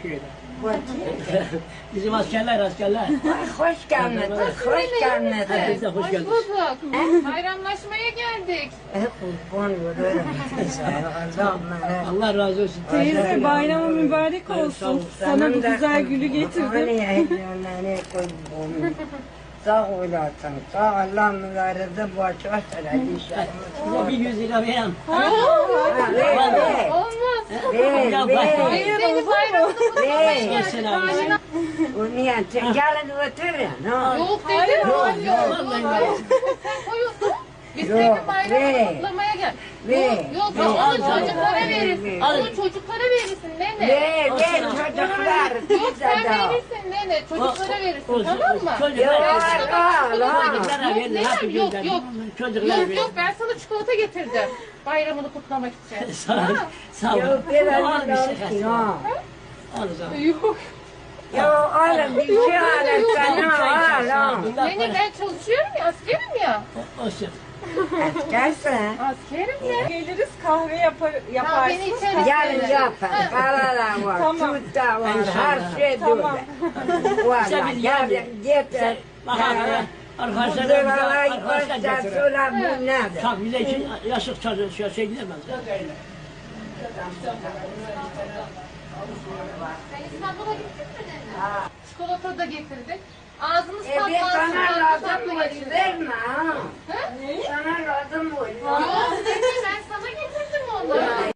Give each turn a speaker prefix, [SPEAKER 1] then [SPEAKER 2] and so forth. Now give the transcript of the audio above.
[SPEAKER 1] şöyle.
[SPEAKER 2] Bizim askerler.
[SPEAKER 3] Ay, hoş geldiniz, hoş geldiniz.
[SPEAKER 2] Herkes de hoş
[SPEAKER 4] Hoş
[SPEAKER 2] geldiniz.
[SPEAKER 4] bulduk. Bayramlaşmaya geldik.
[SPEAKER 3] Kurban olurum.
[SPEAKER 2] Allah razı olsun.
[SPEAKER 5] Teyze bayramı mübarek olsun. Sana bu güzel gülü getirdim.
[SPEAKER 3] Sağ olasın, sağ Allah mübarede boş ver inşallah.
[SPEAKER 2] Size bir 100 lira veren.
[SPEAKER 4] Olmaz.
[SPEAKER 5] Hayır,
[SPEAKER 4] Bayramını kutlamaya
[SPEAKER 3] Hey.
[SPEAKER 4] geldik.
[SPEAKER 2] Selam.
[SPEAKER 4] Bayram-
[SPEAKER 3] O niye? Gelin oturun. ha?
[SPEAKER 4] Yok dedim. Yok.
[SPEAKER 2] Vallahi yok.
[SPEAKER 4] Koyuyorsun. Biz
[SPEAKER 3] Yok,
[SPEAKER 4] senin bayramını
[SPEAKER 3] ve-
[SPEAKER 4] kutlamaya gel.
[SPEAKER 3] ve-
[SPEAKER 4] Yok.
[SPEAKER 2] ve-
[SPEAKER 4] Onu
[SPEAKER 2] al,
[SPEAKER 4] çocuklara
[SPEAKER 3] al,
[SPEAKER 4] verirsin.
[SPEAKER 3] al.
[SPEAKER 4] Onu çocuklara verirsin nene.
[SPEAKER 3] Ve çocuklar
[SPEAKER 4] Yok sen
[SPEAKER 3] bize de.
[SPEAKER 4] verirsin nene. Çocuklara verirsin
[SPEAKER 2] Olsun,
[SPEAKER 4] tamam mı?
[SPEAKER 2] çocuklara
[SPEAKER 3] Yok,
[SPEAKER 2] verin.
[SPEAKER 3] al.
[SPEAKER 2] Çocuklara verin.
[SPEAKER 4] Yok,
[SPEAKER 2] Hadi
[SPEAKER 4] yok,
[SPEAKER 2] gönderin.
[SPEAKER 4] yok.
[SPEAKER 2] Çocuklara
[SPEAKER 4] Yok
[SPEAKER 2] verin.
[SPEAKER 4] yok ben sana çikolata getirdim. Bayramını kutlamak için.
[SPEAKER 2] Sağ ol. Sağ ol.
[SPEAKER 3] Yok biraz
[SPEAKER 2] Al bir şey
[SPEAKER 3] olsun ha.
[SPEAKER 2] Al o zaman.
[SPEAKER 4] Yok.
[SPEAKER 3] Yok oğlum bir şey alın sana al ha.
[SPEAKER 4] Nene ben çalışıyorum ya askerim ya.
[SPEAKER 2] Olsun.
[SPEAKER 3] Askersin.
[SPEAKER 4] Askerim ya.
[SPEAKER 5] Geliriz kahve
[SPEAKER 4] Tamam beni
[SPEAKER 5] yaparsın.
[SPEAKER 4] içeri
[SPEAKER 3] Yarın
[SPEAKER 4] söyle.
[SPEAKER 3] yapın. Paralar var,
[SPEAKER 5] Tamam.
[SPEAKER 3] tut da var,
[SPEAKER 2] İnşallah.
[SPEAKER 3] her şey
[SPEAKER 5] Tamam.
[SPEAKER 3] böyle. Valla
[SPEAKER 2] Sen biz
[SPEAKER 3] yarın
[SPEAKER 2] yarın-
[SPEAKER 3] getir.
[SPEAKER 2] Bakalım.
[SPEAKER 3] Bu
[SPEAKER 2] Arkadaşlar
[SPEAKER 3] zırhalayı
[SPEAKER 2] arkadaşlar
[SPEAKER 3] koşta
[SPEAKER 2] getirin.
[SPEAKER 3] sola bu nedir?
[SPEAKER 2] Çok bize için yaşık çalışıyor şey gidemez.
[SPEAKER 4] Sen İstanbul'a gittin mi nene? Çikolata da getirdik. Ağzımız
[SPEAKER 3] Bir
[SPEAKER 4] patlansın.
[SPEAKER 3] sana lazım
[SPEAKER 4] tatlı
[SPEAKER 3] mı?
[SPEAKER 4] tatlı
[SPEAKER 3] Verme ha.
[SPEAKER 4] Ha?
[SPEAKER 3] Sana lazım mı?
[SPEAKER 4] Yok nene ben sana getirdim onları.